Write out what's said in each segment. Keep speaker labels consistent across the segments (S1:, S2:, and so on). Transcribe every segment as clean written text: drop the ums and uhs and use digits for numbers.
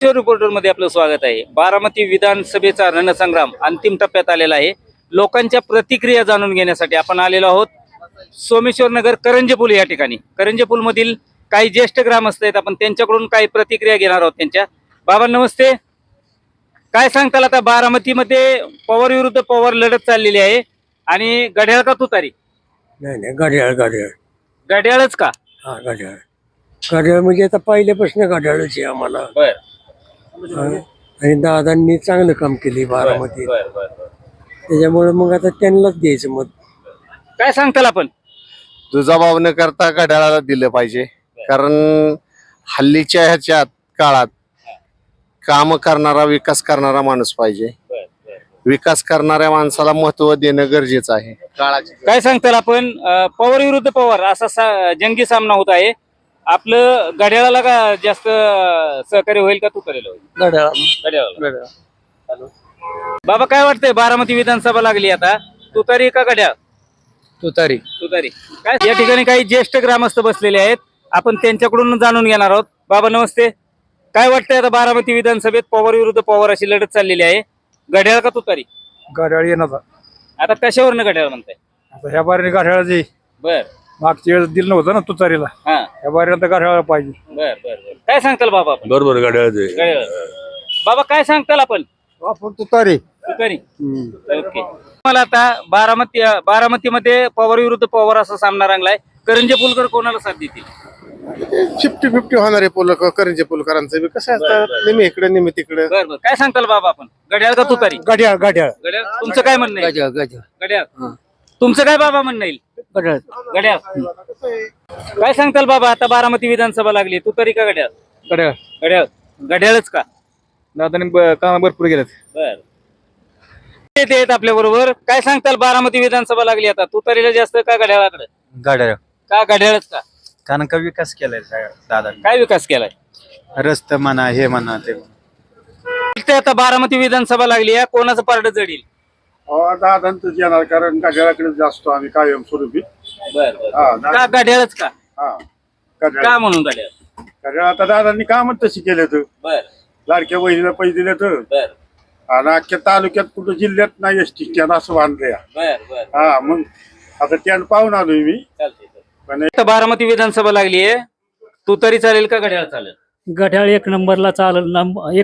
S1: Reporter मध्ये आपलं स्वागत आहे। बारामती विधानसभेचा रणसंग्राम अंतिम टप्प्यात आलेला आहे। लोकांच्या प्रतिक्रिया जाणून घेण्यासाठी आपण आलेलो आहोत सोमेश्वर नगर करंजे पूल या ठिकाणी। करंजे पूल मधील काही ज्येष्ठ ग्रामस्थ आहेत, आपण त्यांच्याकडून काही प्रतिक्रिया घेणार आहोत त्यांच्या। बाबा नमस्ते, काय सांगताल आता बारामतीमध्ये पवार विरुद्ध पवार लढत चाललेली आहे आणि घड्याळ का तुतारी?
S2: नाही नाही, घड्याळ घड्याळ
S1: घड्याळच का?
S2: हा घड्याळ घड्याळ म्हणजे आता पहिल्यापासून घड्याळच आहे आम्हाला.
S1: बर
S2: हा. आणि दादांनी चांगलं काम केले बारामतीत,
S1: बर बर बर।
S2: त्याच्यामुळे मग आता त्यांनाच द्यायचं मत.
S1: काय सांगताल आपण?
S3: दुजाभाव न करता घड्याळाला दिलं पाहिजे, कारण हल्लीच्या ह्याच्यात काळात काम करणारा विकास करणारा माणूस पाहिजे. विकास करणाऱ्या माणसाला महत्व देणं गरजेचं आहे काळाचे.
S1: काय सांगताल आपण? पवार विरुद्ध पवार असा जंगी सामना होत आहे। आपलं घड्याळाला का जास्त सहकार्य होईल का तुतारीला होईल? घड्याळाला। बाबा काय वाटतंय, बारामती विधानसभा लागली आता, तुतारी का घड्याळ?
S2: तुतारी.
S1: तुतारी। काय या ठिकाणी काही ज्येष्ठ ग्रामस्थ बसलेले आहेत, आपण त्यांच्याकडून जाणून घेणार आहोत। बाबा नमस्ते, काय वाटतंय आता बारामती विधानसभेत पवार विरुद्ध पवार अशी लढत चाललेली आहे, घड्याळ का तुतारी?
S2: घड्याळ येणार
S1: आता कशावरनं घड्याळ म्हणताय?
S2: आता ह्या बारीने घड्याळाची
S1: बर
S2: मागच्या वेळेस दिलं नव्हतं ना तुतारीला,
S1: हा
S2: ह्या बारीने घड्याळ पाहिजे.
S1: बर बर बर। काय सांगताल बाबा आपण?
S4: बरोबर घड्याळाचे
S1: घड्याळ। बाबा काय सांगताल आपण?
S2: आपण तुतारी.
S1: तुतारी। ओके। मला आता बारामतीमध्ये पवार विरुद्ध पवार असा सामना रंगलाय, करंजे पुलकर कोणाला साथ देतील?
S3: 50-50 होणार आहे करंजे पुलकरांचं बी कसं असतं, नेहमी इकडे नेहमी तिकडे.
S1: बर बर। काय सांगताल बाबा आपण? घड्याळ का तुतारी?
S2: घड्याळ घड्याळ
S1: घड्याळ। तुमचं काय म्हणणं आहे?
S2: घड्याळ
S1: घड्याळ। तुमचं काय बाबा म्हणणं येईल?
S2: घड्याळ
S1: घड्याळ। काय सांगताल बाबा, आता बारामती विधानसभा लागली, तुतारी का घड्याळ?
S2: घड्याळ.
S1: घड्याळ। घड्याळच का?
S2: दादाने काम भरपूर केलं.
S1: बर। येत आपल्या बरोबर, काय सांगताल बारामती विधानसभा लागली आता, तुतारीला जास्त का घड्याळाकडे?
S2: घड्याळ.
S1: का घड्याळच का?
S2: कारण का विकास केलाय दादा,
S1: काय विकास केलाय?
S2: रस्ते म्हणा, हे म्हणा ते.
S1: इथे आता बारामती विधानसभा लागली आहे, कोणाचं पारड जडील?
S5: दादांच येणार, कारण घड्याळाकडे जास्त आम्ही कायम स्वरूपी.
S1: बर बर। का घड्याळच का? का म्हणून घड्याळ?
S5: घड्याळ आता दादांनी कामच तशी केले तर,
S1: बर
S5: लाडक्या बहिणीला पैसे दिले तर,
S1: बर
S5: आणि अख्ख्या तालुक्यात कुठं जिल्ह्यात नाही एसटी स्टँड असं बांधलंय.
S1: बर बर।
S5: हा, मग आता स्टँड पाहून आलोय मी. पण
S1: आता बारामती विधानसभा लागली आहे, तुतारी चालेल का घड्याळ चालेल?
S6: घड्याळ एक नंबरला चालेल.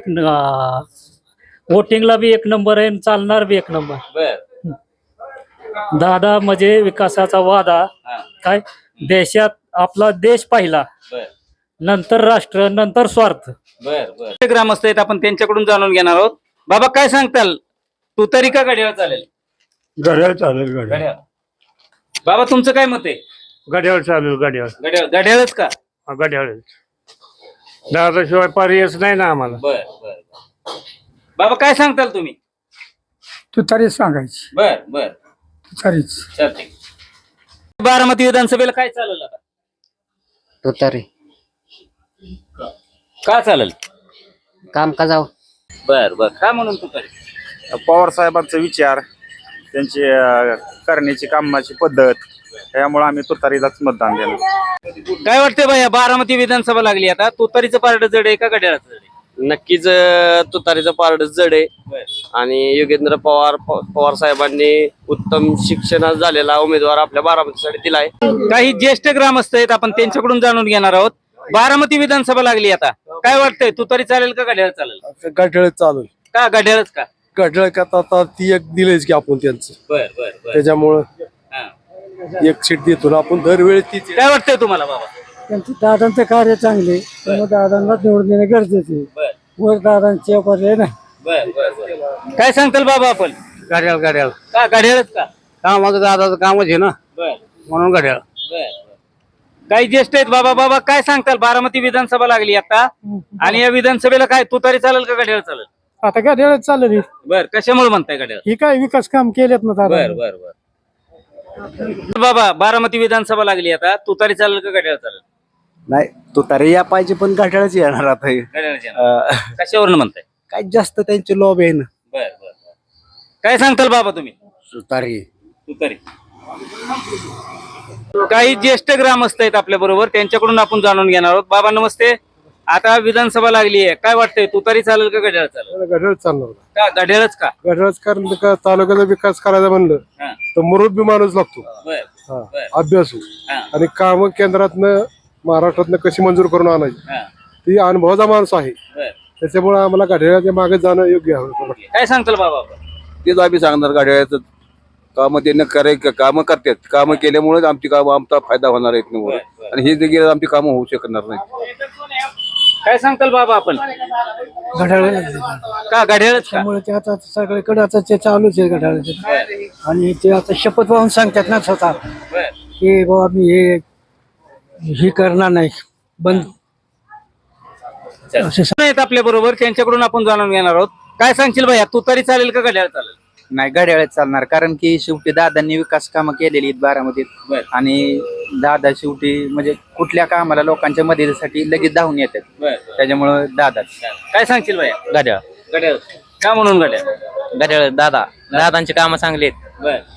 S6: वोटिंगला बी एक नंबर आहे, चालणार बी एक नंबर.
S1: बर
S6: दादा म्हणजे विकासाचा वादा.
S1: हा
S6: काय देशात आपला देश पहिला,
S1: बर
S6: नंतर राष्ट्र, नंतर स्वार्थ.
S1: बर बर। ग्रामस्थ आहेत, आपण त्यांच्याकडून जाणून घेणार आहोत। बाबा काय सांगताल, तुतारी का घड्याळ चालेल?
S2: घड्याळ चालेल.
S1: घड्याळ। बाबा तुमचं काय मत आहे?
S2: घड्याळ चालेल. घड्याळ
S1: घड्याळ। घड्याळच का?
S2: घड्याळ. दादाशिवाय पर्यायच नाही ना आम्हाला.
S1: बर बर। बाबा काय सांगताल तुम्ही?
S2: तुतारीच सांगायची.
S1: बर बर
S2: तुतारीच.
S1: चालते। बारामती विधानसभेला काय चालेल आता?
S7: तुतारी.
S1: का चालेल?
S7: काम का जाऊ.
S1: बर बर। का म्हणून तुतारी?
S8: पवार साहेबांचा विचार, त्यांची करण्याची कामाची पद्धत, त्यामुळे आम्ही तुतारीलाच मतदान देणार.
S1: काय वाटतंय बाया, बारामती विधानसभा लागली आता, तुतारीचं पारड जड आहे का घड्याळाचं जड आहे?
S7: नक्कीच तुतारीचं पारड जड आहे. आणि योगेंद्र पवार साहेबांनी उत्तम शिक्षण झालेला उमेदवार आपल्या बारामतीसाठी दिलाय.
S1: काही ज्येष्ठ ग्रामस्थ आहेत, आपण त्यांच्याकडून जाणून घेणार आहोत। बारामती विधानसभा लागली आता, काय वाटतंय, तुतारी चालेल का घड्याळ चालेल?
S2: घड्याळ चालेल.
S1: का घड्याळच का?
S2: घड्याळ का आता ती एक दिलेच की आपण त्यांचं,
S1: बर बर बर।
S2: त्याच्यामुळं
S1: हा।
S2: एक सीट देतो ना आपण दरवेळी तीच.
S1: काय वाटतंय तुम्हाला बाबा?
S6: त्यांचं दादांचं कार्य चांगले, त्यामुळे दादांना निवडून देणे गरजेचे.
S1: बर
S6: वर दादांचे पर्याय नाही.
S1: बर बर बर। काय सांगताल बाबा आपण?
S2: घड्याळ. घड्याळ
S1: का घड्याळच का?
S2: कामाचं दादाचं कामच आहे ना,
S1: बर
S2: म्हणून घड्याळ.
S1: बर। काही ज्येष्ठ आहेत बाबा, बाबा काय सांगताल, बारामती विधानसभा लागली आता आणि या विधानसभेला काय तुतारी चालेल का घड्याळ चालेल?
S6: आता घड्याळच चालेल.
S1: बर, कशामुळे म्हणताय घड्याळ?
S6: ही काय विकास काम केलेत ना दादा.
S1: बर बर बर। बाबा बारामती विधानसभा लागली आता, तुतारी चालेल का घड्याळ चालेल?
S9: नाही, तुतारी या पाहिजे, पण घड्याळच येणार आता.
S1: कशावरून म्हणताय?
S9: काय जास्त त्यांचे लॉब आहे ना.
S1: बर बर। काय सांगताल बाबा तुम्ही?
S2: तुतारी.
S1: तुतारी। काही ज्येष्ठ ग्रामस्थ आहेत आपल्या बरोबर, त्यांच्याकडून आपण जाणून घेणार आहोत। बाबा नमस्ते, आता विधानसभा लागली आहे, काय वाटतंय तुतारी चालेल का घड्याळ चालेल?
S2: घड्याळ चालणार
S1: का घड्याळच का?
S2: घड्याळच कारण का तालुक्याचा विकास करायचा म्हणलं
S1: हा.
S2: तर मुरुबी माणूस लागतो,
S1: बर
S2: हा,
S1: बर.
S2: अभ्यासू
S1: हा.
S2: आणि काम केंद्रातनं महाराष्ट्रातनं कशी मंजूर करून आणायची
S1: हा.
S2: ती अनुभवाचा माणूस आहे.
S1: बर.
S2: त्याच्यामुळे आम्हाला घड्याळाच्या मागे जाणं योग्य आहे.
S1: काय सांगताल बाबा आपण?
S4: तेच आम्ही सांगणार गाड्याचं काम त्यांना कामं करतात. कामं केल्यामुळेच आमची कामं आमचा फायदा होणार आहे
S1: बर.
S4: आणि हे जे गेलं आमची कामं होऊ शकणार नाही.
S1: काय सांगताल बाबा आपण?
S6: घड्याळ
S1: का घड्याळच का?
S6: त्यामुळे ते आता सगळीकडे आता ते चालूच आहे घड्याळाचे. आणि ते आता शपथ वाहून सांगतात ना स्वतः
S1: बर.
S6: की बाबा मी हे करणार नाही बंद असे
S1: आहेत आपल्या बरोबर, त्यांच्याकडून आपण जाणून घेणार आहोत. काय सांगशील भैया, तुतारी चालेल का घड्याळ चालेल?
S9: नाही घड्याळच चालणार कारण की शेवटी दादांनी विकास कामं केलेली आहेत बारामतीत.
S1: बर.
S9: आणि दादा शेवटी म्हणजे कुठल्या कामाला लोकांच्या मदतीसाठी लगेच धावून येतात.
S1: बर.
S9: त्याच्यामुळं दादाच.
S1: काय सांगशील भैया?
S9: घड्याळ
S1: घड्याळ का म्हणून घड्याळ?
S9: घड्याळ दादांची कामं चांगली आहेत.
S1: बर